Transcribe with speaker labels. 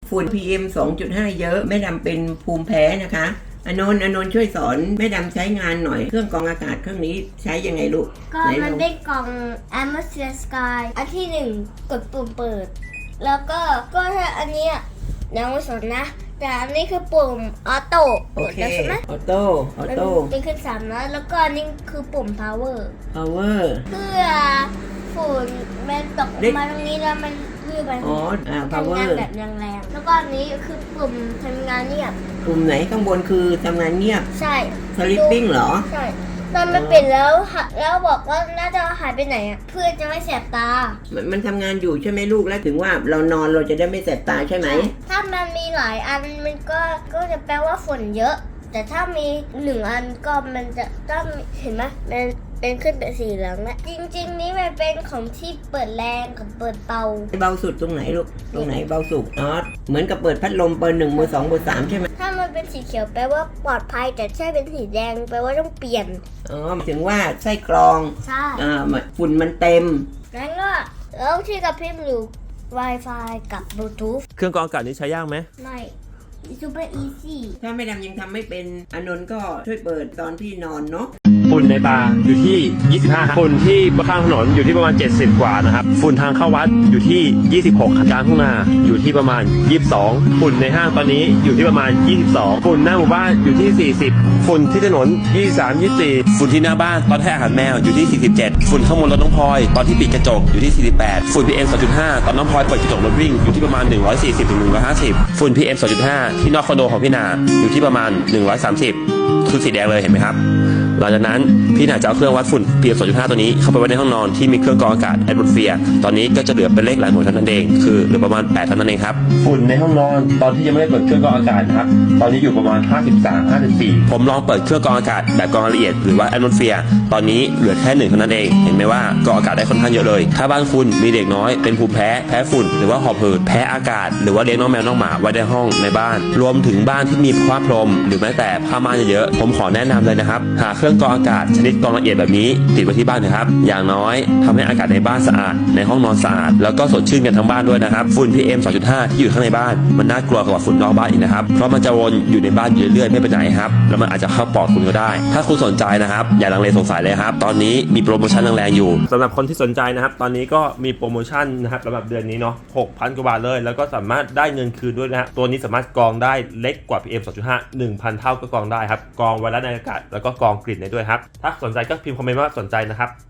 Speaker 1: ฝุ่น PM 2.5 เยอะแม่ดำเป็นภูมิแพ้นะคะอนนท์ช่วยสอนแม่ดำใช้งานหน่อยเครื่องกรองอากาศเครื่องนี้ใช้ยังไงลูก
Speaker 2: ก็มันเป็นกล่อง Atmosphere Sky อันที่1กดปุ่มเปิดแล้วก็ถ้าอันนี้ยังไม่สนนะแต่อันนี้คือปุ่มออโต้กดแล้วใช่ไหม
Speaker 1: ออโต้
Speaker 2: เป็นขึ้น3แล้วก็อันนี้คือปุ่ม power เพื่อฝุ่นมันตกมาตรงนี้แล้วมันเพื่อไปทำงานแบบแรงๆแล้วก็อันนี้คือปุ่มทำงานเงียบ
Speaker 1: ปุ่มไหนข้างบนคือทำงานเงียบ
Speaker 2: ใช่
Speaker 1: sleeping เหรอ
Speaker 2: ใช่ตอนมันปิดแล้วบอกว่าน่าจะหายไปไหนอ่ะเพื่อจะไม่แสบตา
Speaker 1: มันทำงานอยู่ใช่ไหมลูกแล้วถึงว่าเรานอนเราจะได้ไม่แสบตาใช่ไหม
Speaker 2: ถ้ามันมีหลายอันมันก็จะแปลว่าฝุ่นเยอะแต่ถ้ามี1 อันก็มันจะต้องเห็นไหมมันเป็นขึ้นเป็นสีเหลืองแล้วจริงๆนี้มันเป็นของที่เปิดแรงกับเปิดเบา
Speaker 1: สุดตรงไหนลูกตรงไหนเบาสุดเหมือนกับเปิดพัดลมเบอร์ 1 เบอร์ 2 เบอร์ 3ใช่ไหม
Speaker 2: ถ้ามันเป็นสีเขียวแปลว่าปลอดภัยแต่ถ้าเป็นสีแดงแปลว่าต้องเปลี่ยน
Speaker 1: ถึงว่าไส้กรอง
Speaker 2: ใช่
Speaker 1: ฝุ่นมันเต็ม
Speaker 2: งั้นก็แล้วที่กับพิมพ์อยู่ Wi-Fi กับบลูทูธ
Speaker 3: เครื่องกรองอากาศนี้ใช้ยากไหม
Speaker 2: ไม่super easy
Speaker 1: ถ้าไม่ดำยังทำไม่เป็นอนนท์ก็ช่วยเปิดตอนที่นอนเนาะ
Speaker 3: ฝุ่นในตาอยู่ที่ 25 ฝุ่นที่ข้างถนนอยู่ที่ประมาณ 70 กว่านะครับฝุ่นทางเข้าวัดอยู่ที่ 26 กลางทุ่งนาอยู่ที่ประมาณ 22 ฝุ่นในห้างตอนนี้อยู่ที่ประมาณ 22 ฝุ่นหน้าหมู่บ้านอยู่ที่ 40 ฝุ่นที่ถนน 23 24 ฝุ่นที่หน้าบ้านตอนให้อาหารแมวอยู่ที่ 47 ฝุ่นข้างบนรถน้องพลอยตอนที่ปิดกระจกอยู่ที่ 48 ฝุ่น PM 2.5 ตอนน้องพลอยเปิดกระจกรถวิ่งอยู่ที่ประมาณ 140 ถึง 150 ฝุ่น PM 2.5 ที่นอกคอนโดของพี่นาอยู่ที่ประมาณ 130 คือสีแดงเลยเห็นไหมครับหลังจากนั้นพี่นาจะเอาเครื่องวัดฝุ่น PM 2.5 ตัวนี้เข้าไปไว้ในห้องนอนที่มีเครื่องกรองอากาศ Atmosphere ตอนนี้ก็จะเหลือเป็นเลขหลักหน่วยเท่านั้นเองคือเหลือประมาณ8เท่านั้นเองครับฝุ่นในห้องนอนตอนที่ยังไม่ได้เปิดเครื่องกรองอากาศนะครับตอนนี้อยู่ประมาณ 53-54 ผมลองเปิดเครื่องกรองอากาศแบบกรองละเอียดหรือว่า Atmosphere ตอนนี้เหลือแค่1เท่านั้นเองเห็นไหมว่ากรองอากาศได้ค่อนข้างเยอะเลยถ้าบ้านคุณมีเด็กน้อยเป็นภูมิแพ้ฝุ่นหรือว่าหอบหืดแพ้อากาศหรือว่าเลี้ยงน้องแมวน้องหมาไว้ในห้องในบ้านรวมถึงบ้านที่มีผ้าพรมหรือแม้แต่ผ้าม่านเยอะๆผมขอแนะนำเลยนะครับหาเครื่องกรองอากาศชนิดกรองละเอียดแบบนี้ติดไว้ที่บ้านนะครับอย่างน้อยทำให้อากาศในบ้านสะอาดในห้องนอนสะอาดแล้วก็สดชื่นกันทั้งบ้านด้วยนะครับฝุ่น PM 2.5 ที่อยู่ข้างในบ้านมันน่ากลัวกว่าฝุ่นนอกบ้านอีกนะครับเพราะมันจะวนอยู่ในบ้านอยู่เรื่อยๆไม่ไปไหนครับแล้วมันอาจจะเข้าปอดคุณก็ได้ถ้าคุณสนใจนะครับอย่าลังเลสงสัยเลยครับตอนนี้มีโปรโมชั่นแรงๆอยู่สำหรับคนที่สนใจนะครับตอนนี้ก็มีโปรโมชั่นนะครับสำหรับเดือนนี้เนาะ 6,000 กว่าบาทเลยแล้วก็สามารถได้เงินคืนด้วยนะฮะตัวนี้สามารถกรองได้เล็กกว่า PM 2.5 1,000 เท่าก็กรองได้ครับกรองไวรัสในอากาศแล้วก็กรองกลิ่นได้ด้วยครับถ้าสนใจก็พิมพ์คอมเมนต์ว่าสนใจนะครับ